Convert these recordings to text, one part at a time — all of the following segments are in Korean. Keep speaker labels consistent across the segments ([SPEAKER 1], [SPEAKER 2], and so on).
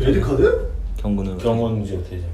[SPEAKER 1] 레드카드?
[SPEAKER 2] 경고는
[SPEAKER 3] 경원 무죄 대장.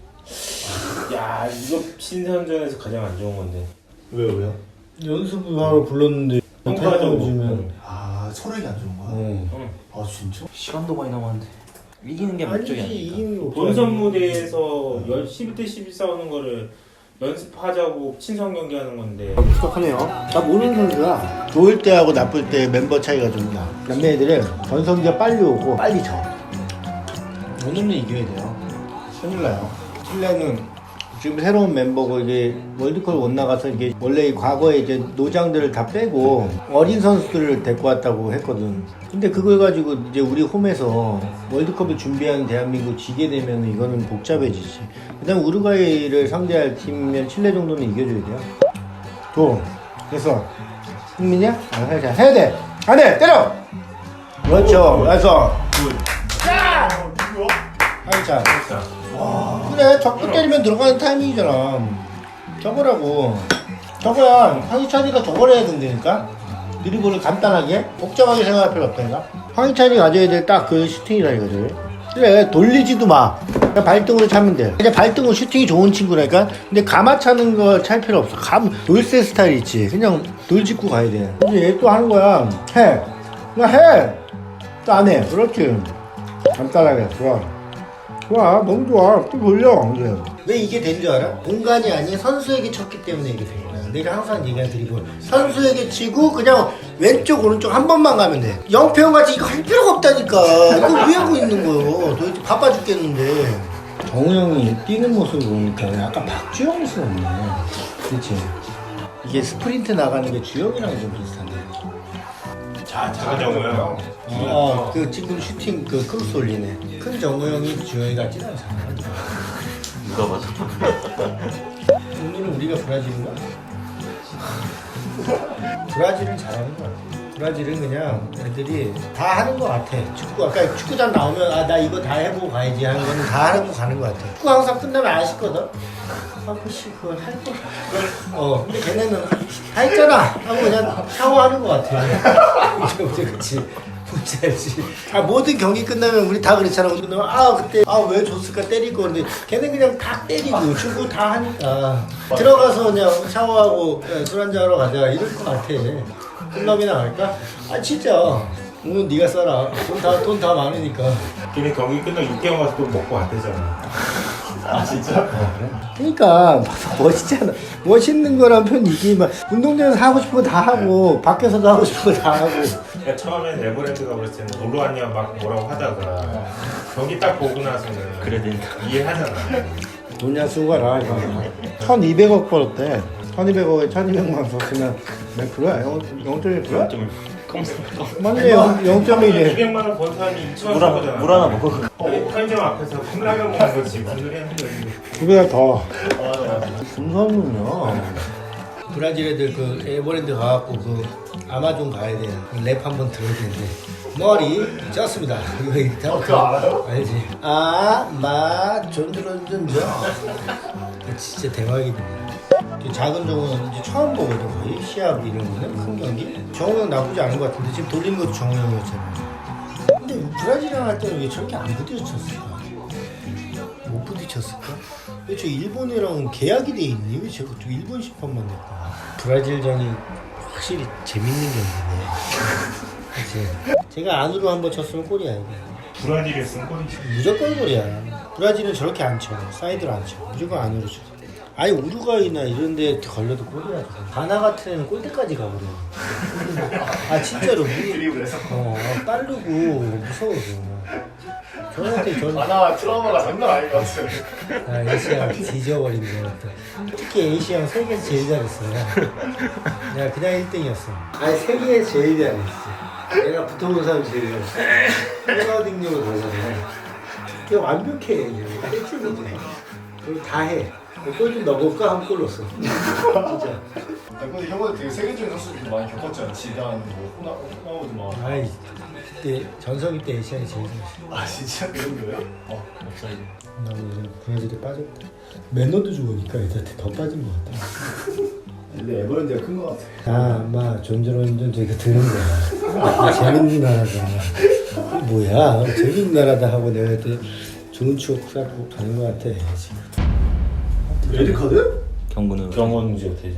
[SPEAKER 3] 야 이거 신선전에서 가장 안 좋은 건데.
[SPEAKER 1] 왜요?
[SPEAKER 4] 연습을 하러 불렀는데
[SPEAKER 3] 평가적으로
[SPEAKER 4] 주면
[SPEAKER 1] 아 소력이 안 좋은 거야?
[SPEAKER 3] 응.
[SPEAKER 1] 아 진짜?
[SPEAKER 2] 시간도 많이 남았는데 이기는 게 목적이
[SPEAKER 4] 아니지
[SPEAKER 2] 아니니까.
[SPEAKER 4] 이기는 거
[SPEAKER 3] 본선 무대에서 11대 12 싸우는 거를 연습하자고 친선 경기하는 건데.
[SPEAKER 4] 똑똑하네요. 나 모르는 선수가 좋을 때하고 나쁠 때 멤버 차이가 좀 나. 남매 애들은 전성기가 빨리 오고 빨리 져. 오늘은 이겨야 돼요. 큰일 나요. 칠레는 지금 새로운 멤버고 이게 월드컵 못 나가서 이게 원래 과거에 이제 노장들을 다 빼고 어린 선수들을 데리고 왔다고 했거든. 근데 그걸 가지고 이제 우리 홈에서 월드컵을 준비하는 대한민국 지게 되면 이거는 복잡해지지. 그다음 우루과이를 상대할 팀이면 칠레 정도는 이겨줘야 돼요. 줘. 됐어. 흥민이야? 아, 살짝 해야 돼. 안 돼. 때려. 그렇죠. 그래서 살짝. 그래, 적도 때리면 들어가는 타이밍이잖아. 저거라고. 저거야. 황희찬이가 저걸 해야 된다니까? 드리블을 간단하게, 복잡하게 생각할 필요 없다니까? 황희찬이 가져야 될 딱 그 슈팅이라 이거지. 그래, 돌리지도 마. 그냥 발등으로 차면 돼. 그냥 발등으로 슈팅이 좋은 친구라니까? 근데 감아 차는 거 찰 필요 없어. 돌쇠 스타일 있지. 그냥 돌 짚고 가야 돼. 근데 얘 또 하는 거야. 해. 그냥 해. 또 안 해. 그렇지. 간단하게. 좋아. 좋아, 너무 좋아. 또 돌려. 이제. 왜 이게 된 줄 알아? 공간이 아닌 선수에게 쳤기 때문에 이게 된 거야. 내가 항상 얘기한 드리블. 선수에게 치고 그냥 왼쪽 오른쪽 한 번만 가면 돼. 영평 같이 이거 할 필요가 없다니까. 이거 왜 하고 있는 거요? 도대체 바빠 죽겠는데. 정우 형이 뛰는 모습을 보니까 약간 박주영 모습 없네. 그치? 이게 스프린트 나가는 게 주영이랑 좀 비슷한데.
[SPEAKER 3] 작은 정우요.
[SPEAKER 4] 그 지금 슈팅 그 크로스 올리네. 큰 정우 형이 주영이 같지는 않잖아.
[SPEAKER 2] 누가 봐서.
[SPEAKER 4] 오늘은 우리가 브라질인가? 브라질은 잘하는 것 같아. 브라질은 그냥 애들이 다 하는 것 같아. 축구 아까 축구장 나오면 아 나 이거 다 해보고 가야지 하는 거는 다 하고 가는 것 같아. 축구 항상 끝나면 아쉽거든. 아 그씨 그걸 할 거. 근데 걔네는 다 했잖아 하고 그냥 샤워하는 것 같아. 그치. 뭔지 알지? 모든 경기 끝나면 우리 다 그렇잖아. 끝나면 그때 왜 줬을까 때리고 근데 걔는 그냥 다 때리고 주고 다 하니까 들어가서 그냥 샤워하고 술 한잔 하러 가자 이럴 것 같아. 클럽이나 갈까? 진짜 오늘 네가 써라. 돈 다 많으니까.
[SPEAKER 3] 걔네 경기 끝나고 6개월 가서 또 먹고 왔대잖아.
[SPEAKER 1] 진짜?
[SPEAKER 4] 그러니까 멋있잖아. 멋있는 거란 편이지. 막 운동장에서 하고 싶은 거 다 하고 밖에서도 하고 싶은 거 다 하고.
[SPEAKER 3] 내가 처음엔 에버랜드가 그랬을 때는 놀러 왔냐 막 뭐라고 하다가 경기 딱 보고 나서는
[SPEAKER 2] 그래야 되니까.
[SPEAKER 3] 이해하잖아.
[SPEAKER 4] 돈이나 쓰고 가라. 1200억 벌었대. 1200억에 1200만 썼으면 몇 프로야? 0.1%야?
[SPEAKER 2] 좀
[SPEAKER 4] 맞네. 0.1이래.
[SPEAKER 3] 200만 원 번 사람이 2천 원
[SPEAKER 2] 물
[SPEAKER 3] 거잖아.
[SPEAKER 2] 물 하나 먹어.
[SPEAKER 3] 편의점 앞에서 컵라면 먹는 거지 무슨 소리 하는 거지.
[SPEAKER 4] 2배가 더. 금성은요. 브라질 애들 그 에버랜드 가갖고 그 아마존 가야 돼. 랩 한번 들어야 되는데. 머리 쪘습니다. 이거 이렇게 하고.
[SPEAKER 1] 그거 알아요?
[SPEAKER 4] 알지? 존존존존. 진짜 대박이네. 작은 정우는 이제 처음 보거든 거의 시합 이런 거는 큰 경기. 정우 형 나쁘지 않은 것 같은데 지금 돌린 것도 정우 형이었잖아. 근데 브라질이랑 할 때는 왜 저렇게 안 부딪혔을까? 못 부딪혔을까? 왜 저 일본이랑 계약이 돼 있니? 왜 저거 저 일본 심판만 냈까? 브라질전이 확실히 재밌는 경기네. 그치? 제가 안으로 한번 쳤으면 골이야 이거.
[SPEAKER 3] 브라질에 쓴 꼴이지.
[SPEAKER 4] 무조건 골이야. 브라질은 저렇게 안 쳐. 사이드로 안 쳐. 무조건 안으로 쳐. 아니 우루과이나 이런 데 걸려도 골이야. 가나 같은 애는 골대까지 가버려. 진짜로.
[SPEAKER 1] 드리블에서
[SPEAKER 4] 빠르고 무서워서. 저한테
[SPEAKER 1] 트라우마가 장난 아닌 것 같아.
[SPEAKER 4] 에이시양 뒤져버린 거 같아. 특히 에이시양 세계에서 제일 잘했어. 내가 그냥 1등이었어. 세계에서 제일 잘했어. 내가 붙어본 사람이 제일 잘했어. 호나우딩요를 가잖아. 그게 완벽해. 일찍이지. 그리고 다 해. 골 좀 넣어볼까? 하면 골 넣었어. 진짜.
[SPEAKER 1] 근데 형은 되게 세계적인 선수들 많이 겪었잖아. 지단, 호나우드
[SPEAKER 4] 아이, 그때 전성기 때 에이시안이 제일 잘했어.
[SPEAKER 1] 진짜 그런 거예요?
[SPEAKER 2] 없어요.
[SPEAKER 4] 나도 브라질에 빠졌고. 매너도 좋으니까 애들한테 더 빠진 것 같아.
[SPEAKER 1] 근데 에버랜드가 큰 것 같아.
[SPEAKER 4] 존존존 저희가 드는 거야. 재밌는 나라잖아. 뭐야 되게 나라다 하고 내가 그때 좋은 추억 쌓고 가는 것 같아 지금.
[SPEAKER 1] 레드카드?
[SPEAKER 2] 경고는
[SPEAKER 3] 경원주 대장.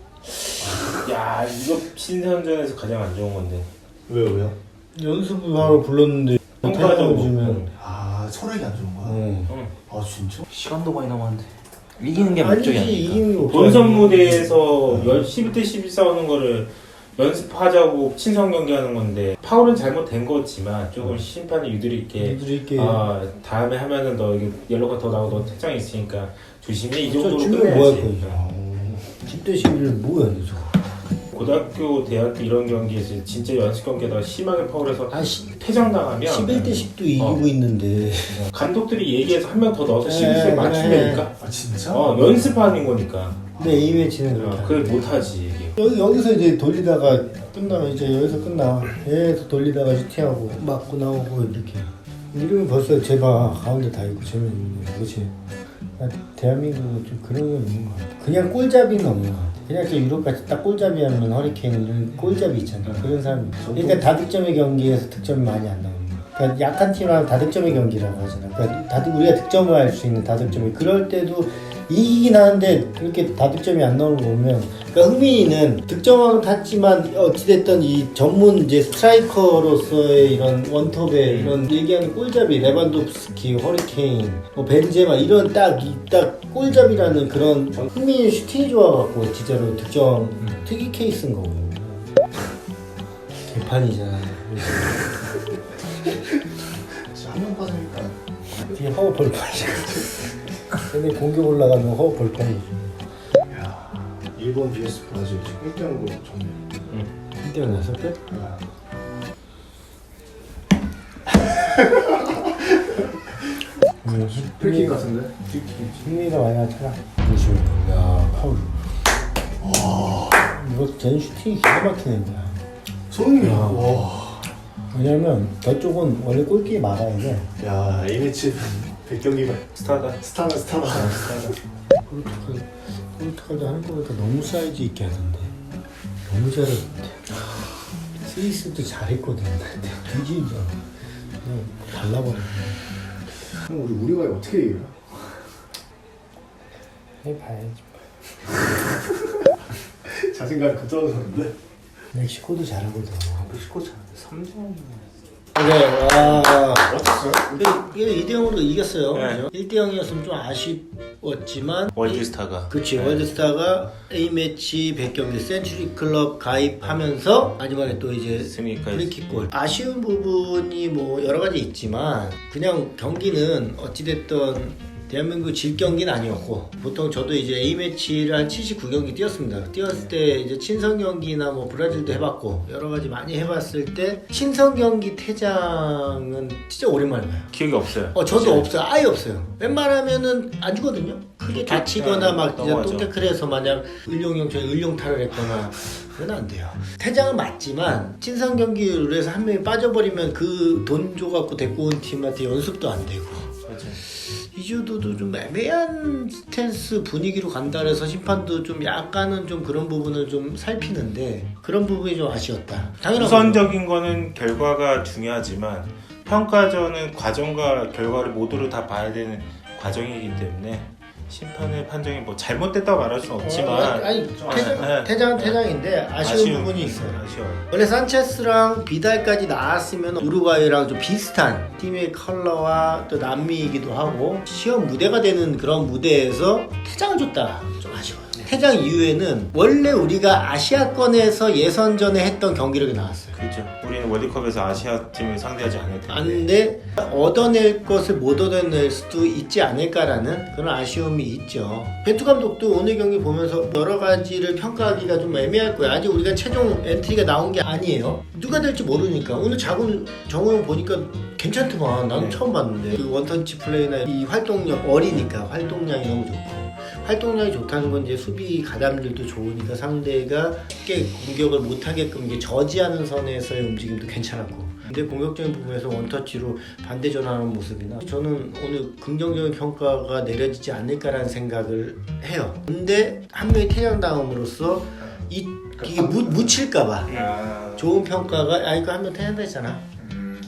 [SPEAKER 3] 야 이거 신선전에서 가장 안 좋은 건데.
[SPEAKER 1] 왜요?
[SPEAKER 4] 연습을 하러 불렀는데
[SPEAKER 3] 평가적으로
[SPEAKER 4] 주면
[SPEAKER 1] 아 철학이 안 좋은 거야?
[SPEAKER 3] 응.
[SPEAKER 1] 아 진짜?
[SPEAKER 2] 시간도 많이 남았는데 이기는 게 목적이
[SPEAKER 4] 아니지
[SPEAKER 2] 아니니까.
[SPEAKER 4] 이기는 게 없어.
[SPEAKER 3] 본선 무대에서 11대 12 싸우는 거를 연습하자고 친선 경기하는 건데 파울은 잘못된 거지만 조금 심판이 유도리 있게
[SPEAKER 4] 있게
[SPEAKER 3] 다음에 하면은 너 이게 옐로가 더 나오고 너 퇴장이 있으니까 조심해 이 정도로
[SPEAKER 4] 주면 뭐 할
[SPEAKER 3] 끝내야지.
[SPEAKER 4] 거야 10대 11을 뭐야 저.
[SPEAKER 3] 고등학교, 대학교 이런 경기에서 진짜 연습 경기에다가 심하게 파울해서
[SPEAKER 4] 아
[SPEAKER 3] 퇴장 당하면
[SPEAKER 4] 11대 10도 이기고 있는데
[SPEAKER 3] 감독들이 얘기해서 한 명 더 넣어서
[SPEAKER 4] 네,
[SPEAKER 3] 11대 맞추려니까
[SPEAKER 1] 아 진짜?
[SPEAKER 3] 연습하는 거니까
[SPEAKER 4] 근데 A매치는 그렇게
[SPEAKER 3] 그걸 못하지 이게.
[SPEAKER 4] 여기서 이제 돌리다가 끝나면 이제 여기서 끝나 계속 돌리다가 슈팅하고 맞고 나오고 이렇게 이러면 벌써 제발 가운데 다 있고 재미있는 거야 그치? 대한민국은 좀 그런 게 있는 것 같아 그냥 꼴잡이는 없는 것 같아 그냥 저 유럽같이 딱 꼴잡이 하면 허리케인 이런 꼴잡이 있잖아 그런 사람이 그러니까 다득점의 경기에서 득점이 많이 안 나오는 거야 그러니까 약한 팀하면 다득점의 경기라고 하잖아 그러니까 우리가 득점을 할 수 있는 다득점이 그럴 때도 이기긴 하는데 그렇게 다득점이 안 나오는 거 보면 그러니까 흥민이는 득점왕을 탔지만 어찌됐든 이 전문 이제 스트라이커로서의 이런 원톱의 이런 얘기하는 꼴잡이 레반도프스키, 허리케인, 뭐 벤제마 이런 딱 꼴잡이라는 그런 흥민이 슈팅이 좋아갖고 진짜로 득점 특이 케이스인 거고 개판이잖아
[SPEAKER 1] 한명 빠지니까
[SPEAKER 4] 뒤에 허우 벌판이야 근데 공격 올라가면 허우 벌판이지
[SPEAKER 1] 야 일본 vs 브라질 1대0으로 정리.
[SPEAKER 4] 1대0 났었대?
[SPEAKER 1] 프리킥 같은데?
[SPEAKER 4] 승리가 많이 나타나 그렇죠 야 파울 이거 쟤는 슈팅이 기가 막히네
[SPEAKER 1] 손흥민.
[SPEAKER 4] 야.
[SPEAKER 1] 와.
[SPEAKER 4] 왜냐면 저쪽은 원래 골키에 막아야 돼
[SPEAKER 1] 야 A매치 100경기가
[SPEAKER 3] 스타다.
[SPEAKER 1] 스타다.
[SPEAKER 4] 포르투갈도 하는 거 보니까 너무 사이즈 있게 하던데 너무 잘했는데 스위스도 잘했거든 근데 뒤지죠 그냥 발라버렸네
[SPEAKER 1] 그럼 우리가 어떻게 이겨요?
[SPEAKER 4] 해봐야지
[SPEAKER 1] 자신감 급떨어졌는데?
[SPEAKER 4] 멕시코도 잘하거든
[SPEAKER 2] 멕시코 3점.
[SPEAKER 4] 그래 와
[SPEAKER 1] 어땠어요?
[SPEAKER 4] 이게 2대0으로 이겼어요
[SPEAKER 3] 네.
[SPEAKER 4] 1대0이었으면 좀 아쉬웠지만
[SPEAKER 2] 월드스타가.
[SPEAKER 4] 그치
[SPEAKER 3] 네.
[SPEAKER 4] 월드스타가 A매치 100경기 센츄리 클럽 가입하면서 마지막에 또 이제
[SPEAKER 2] 승리까지.
[SPEAKER 4] 프리킥골 아쉬운 부분이 뭐 여러 가지 있지만 그냥 경기는 어찌됐든 대한민국 질 경기는 아니었고 보통 저도 이제 A매치를 한 79경기 뛰었습니다. 뛰었을 때 이제 친선 경기나 뭐 브라질도 해봤고 여러 가지 많이 해봤을 때 친선 경기 퇴장은 진짜 오랜만에 봐요.
[SPEAKER 3] 기억이 없어요.
[SPEAKER 4] 저도 없어요. 아예 없어요. 웬만하면은 안 주거든요. 크게 다치거나 막 진짜
[SPEAKER 3] 넘어가죠.
[SPEAKER 4] 똥태클해서 마냥 을룡형처럼 을룡탈을 했거나 그건 안 돼요. 퇴장은 맞지만 친선 경기 룰에서 한 명이 빠져버리면 그 돈 줘갖고 데리고 온 팀한테 연습도 안 되고 이주도도 좀 애매한 스탠스 분위기로 간다 그래서 심판도 좀 약간은 좀 그런 부분을 좀 살피는데 그런 부분이 좀 아쉬웠다. 당연한
[SPEAKER 3] 우선적인 거는 결과가 중요하지만 평가전은 과정과 결과를 모두를 다 봐야 되는 과정이기 때문에 심판의 판정이 뭐 잘못됐다고 말할 수는 없지만
[SPEAKER 4] 아니 퇴장은 퇴장인데 아쉬운 부분이 있어요.
[SPEAKER 3] 아쉬워요.
[SPEAKER 4] 원래 산체스랑 비달까지 나왔으면 우루과이랑 좀 비슷한 팀의 컬러와 또 남미이기도 하고 시험 무대가 되는 그런 무대에서 퇴장을 줬다. 좀 아쉬워요. 퇴장 이후에는 원래 우리가 아시아권에서 예선전에 했던 경기력이 나왔어요.
[SPEAKER 3] 그렇죠. 우리는 월드컵에서 아시아 팀을 상대하지 않을 텐데.
[SPEAKER 4] 안돼 얻어낼 것을 못 얻어낼 수도 있지 않을까라는 그런 아쉬움이 있죠. 벤투 감독도 오늘 경기 보면서 여러 가지를 평가하기가 좀 애매할 거예요. 아직 우리가 최종 엔트리가 나온 게 아니에요. 누가 될지 모르니까 오늘 자군 정우영 보니까 괜찮더만. 나는 처음 봤는데 그 원턴치 플레이나 이 활동력 어리니까 활동량이 너무 좋고. 활동량이 좋다는 건 이제 수비 가담들도 좋으니까 상대가 쉽게 공격을 못하게끔 이게 저지하는 선에서의 움직임도 괜찮았고 근데 공격적인 부분에서 원터치로 반대 전환하는 모습이나 저는 오늘 긍정적인 평가가 내려지지 않을까라는 생각을 해요. 근데 한 명이 퇴장당함으로써 이게 묻힐까봐 좋은 평가가 이거 한 명 퇴장당했잖아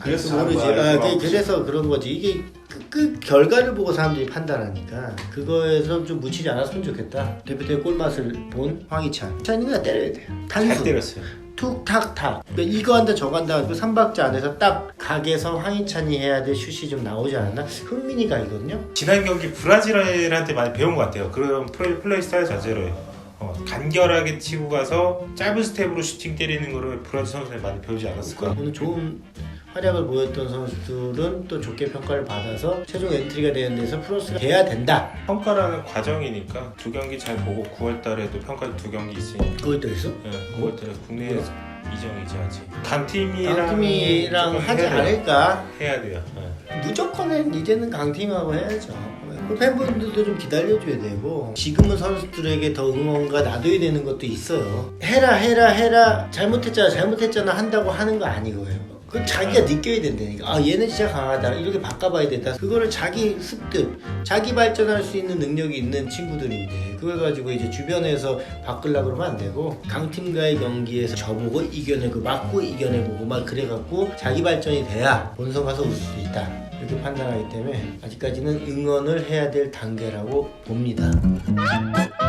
[SPEAKER 4] 그래서 모르지. 그래서 그런 거지. 이게 그 결과를 보고 사람들이 판단하니까 그거에서 좀 묻히지 않았으면 좋겠다. 대표팀의 골맛을 본 황희찬. 찬이가 때려야 돼요.
[SPEAKER 3] 잘
[SPEAKER 4] 단수.
[SPEAKER 3] 때렸어요.
[SPEAKER 4] 툭탁탁. 그러니까 이거 한다 저거 한다. 그 3박자 안에서 딱 각에서 황희찬이 해야 될 슛이 좀 나오지 않았나? 흥민이가 이거든요.
[SPEAKER 3] 지난 경기 브라질한테 많이 배운 것 같아요. 그런 플레이 스타일 자체로 간결하게 치고 가서 짧은 스텝으로 슈팅 때리는 거를 브라질 선수들이 많이 배우지 않았을까.
[SPEAKER 4] 오늘 좋은 활약을 보였던 선수들은 또 좋게 평가를 받아서 최종 엔트리가 되는 데서 플러스가 돼야 된다.
[SPEAKER 3] 평가라는 과정이니까 2경기 잘 보고 9월달에도 평가 2경기 있으니까.
[SPEAKER 4] 그걸 또 있어?
[SPEAKER 3] 네, 9월달에 국내에 이정이지 아직. 강팀이랑
[SPEAKER 4] 하지
[SPEAKER 3] 해야 돼요.
[SPEAKER 4] 않을까?
[SPEAKER 3] 해야 돼요. 네.
[SPEAKER 4] 무조건 이제는 강팀하고 해야죠. 그 팬분들도 좀 기다려줘야 되고 지금은 선수들에게 더 응원가 놔둬야 되는 것도 있어요. 해라 잘못했잖아 한다고 하는 거 아니고요. 그 자기가 느껴야 된다니까. 아 얘는 진짜 강하다 이렇게 바꿔봐야 된다. 그거를 자기 습득 자기 발전할 수 있는 능력이 있는 친구들인데 그걸 가지고 이제 주변에서 바꾸려고 그러면 안 되고 강팀과의 경기에서 져보고 이겨내고 맞고 이겨내보고 막 그래갖고 자기 발전이 돼야 본선 가서 올 수도 있다 이렇게 판단하기 때문에 아직까지는 응원을 해야 될 단계라고 봅니다.